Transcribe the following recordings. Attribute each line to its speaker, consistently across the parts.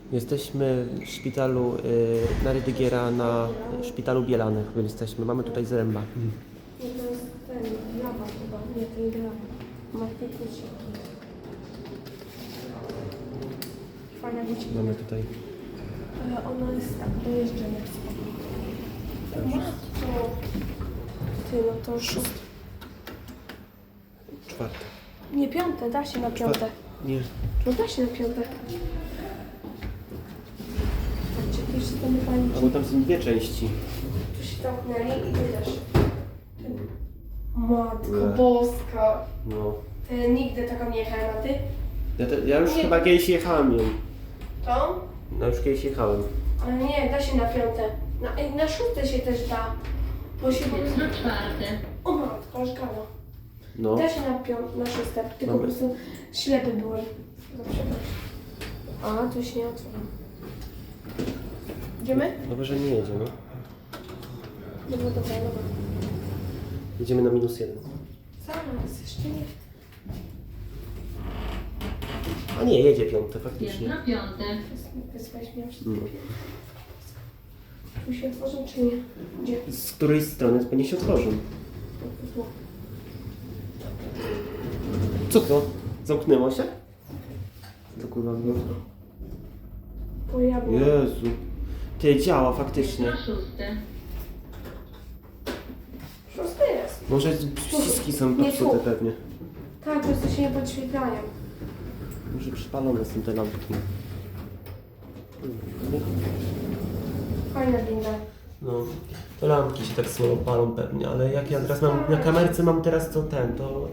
Speaker 1: Jesteśmy w szpitalu na Rydygiera, na szpitalu Bielanych. Jesteśmy. Mamy tutaj zręba.
Speaker 2: Nie, to jest ten, lawa chyba. Nie, to jest lawa. Matematycznie. Fajna dziewczyna.
Speaker 1: Mamy tutaj.
Speaker 2: Ale ona jest tak dojeżdżona w spokój. Matko. Ty, no to już...
Speaker 1: Czwarte.
Speaker 2: Nie, piąte, da się na piąte.
Speaker 1: Nie.
Speaker 2: No da się na piąte. Patrzcie, tu się tam pani...
Speaker 1: A bo tam są dwie części.
Speaker 2: Tu się zamknęli i ty też. Matko
Speaker 1: Nie.
Speaker 2: boska.
Speaker 1: No.
Speaker 2: Ty nigdy taką nie jechałem, a ty?
Speaker 1: Ja już
Speaker 2: Nie.
Speaker 1: chyba kiedyś jechałem ją.
Speaker 2: Tą?
Speaker 1: No już kiedyś jechałem.
Speaker 2: Ale nie, da się na piąte. Na szóste się też da. Bo się...
Speaker 3: Jest na czwarte.
Speaker 2: O matko, aż gala.
Speaker 1: No.
Speaker 2: Da się na szóste, tylko po
Speaker 1: Mamy.
Speaker 2: prostu ślepy byłem. Dobrze. A, tu się nie otworzy. Idziemy?
Speaker 1: Dobrze, że nie jedzie, no.
Speaker 2: Dobra, dobra, dobra.
Speaker 1: Jedziemy na -1.
Speaker 2: Zaraz, jeszcze nie.
Speaker 1: A nie, jedzie piąte,
Speaker 3: Jest
Speaker 1: faktycznie.
Speaker 3: na piąte.
Speaker 2: Wysłałeś mnie wszystkie
Speaker 1: No.
Speaker 2: Tu się otworzą, czy nie? Gdzie?
Speaker 1: Z której strony pewnie się otworzą.
Speaker 2: Tu.
Speaker 1: Co to? Zamknęło się? Co kurwa było?
Speaker 2: Pojawił.
Speaker 1: Jezu. Ty, działa
Speaker 3: Jest
Speaker 1: faktycznie.
Speaker 3: na szóste.
Speaker 2: Szósty jest.
Speaker 1: Może przyciski są
Speaker 2: Nie
Speaker 1: popsute
Speaker 2: tu.
Speaker 1: pewnie.
Speaker 2: Tak, po prostu się nie podświetlają.
Speaker 1: Może przypalone są te lampki.
Speaker 2: Fajna winda.
Speaker 1: No, to lampki się tak słabo palą pewnie, ale jak ja teraz mam, na kamerce mam teraz to to...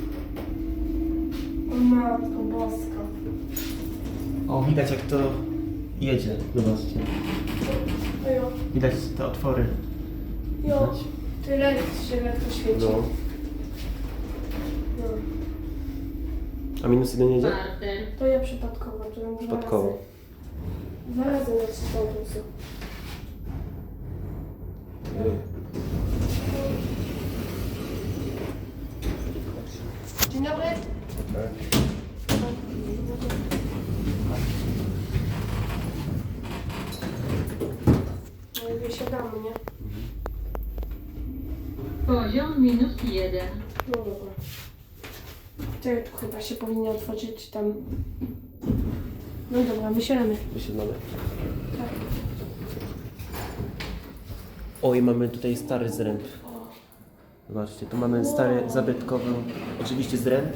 Speaker 2: O matko boska.
Speaker 1: O, widać jak to jedzie, zobaczcie.
Speaker 2: Ojo.
Speaker 1: Widać te otwory.
Speaker 2: Jo. Tyle się lekko świeci.
Speaker 1: No.
Speaker 2: No.
Speaker 1: A -1 jedzie?
Speaker 3: Czwarte.
Speaker 2: To ja przypadkowo, to ją
Speaker 1: Przypadkowo.
Speaker 2: Dwa razy nacisnął pulsu. Dzień dobry. No i wysiadamy, nie?
Speaker 3: Poziom -1.
Speaker 2: No dobra. Czekaj, tu chyba się powinno otworzyć tam. No dobra, wysiadamy.
Speaker 1: Wysiadamy.
Speaker 2: Tak.
Speaker 1: Oj, mamy tutaj stary zręb. Zobaczcie, tu mamy stary, zabytkowy, oczywiście zręb.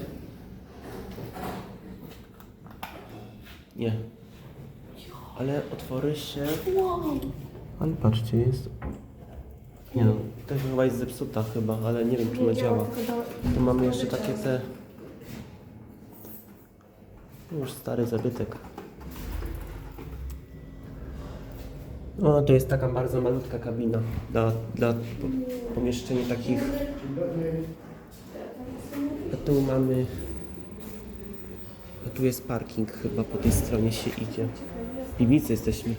Speaker 1: Nie. Ale otwory się...
Speaker 2: Wow.
Speaker 1: Ale patrzcie, jest... Nie no, to chyba jest zepsuta chyba, ale nie wiem czy ona działa. Tu mamy jeszcze takie te... Już stary zabytek. O, to jest taka bardzo malutka kabina dla pomieszczeń takich. A tu mamy... A tu jest parking chyba, po tej stronie się idzie. W piwnicy jesteśmy.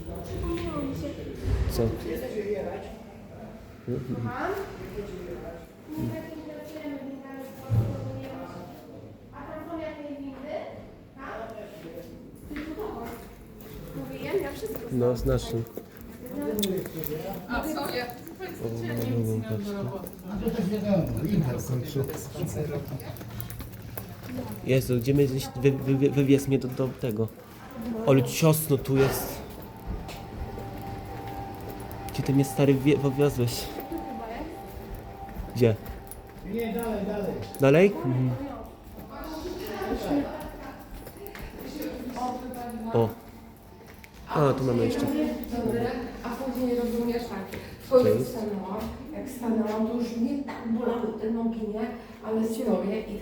Speaker 1: Co?
Speaker 2: Mówiłem, ja wszystko.
Speaker 1: No, z naszym.
Speaker 4: A co ja?
Speaker 1: Jezu, gdzie my gdzieś wywiez mnie do tego. Ale ciasno tu jest. Gdzie ty mnie stary wywiozłeś? Gdzie?
Speaker 4: Nie, dalej, dalej.
Speaker 1: Dalej? Mhm. O. A, tu mamy jeszcze.
Speaker 5: Dobre, a później rozumiesz tak, wchodzę
Speaker 1: Cześć.
Speaker 5: stanęłam, jak stanęłam, to już mnie tak bolały te nogi, nie? Ale stoję i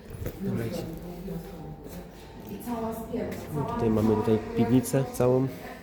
Speaker 1: Dobra, idź.
Speaker 5: i cała spięta, cała...
Speaker 1: Tutaj mamy tutaj piwnicę całą.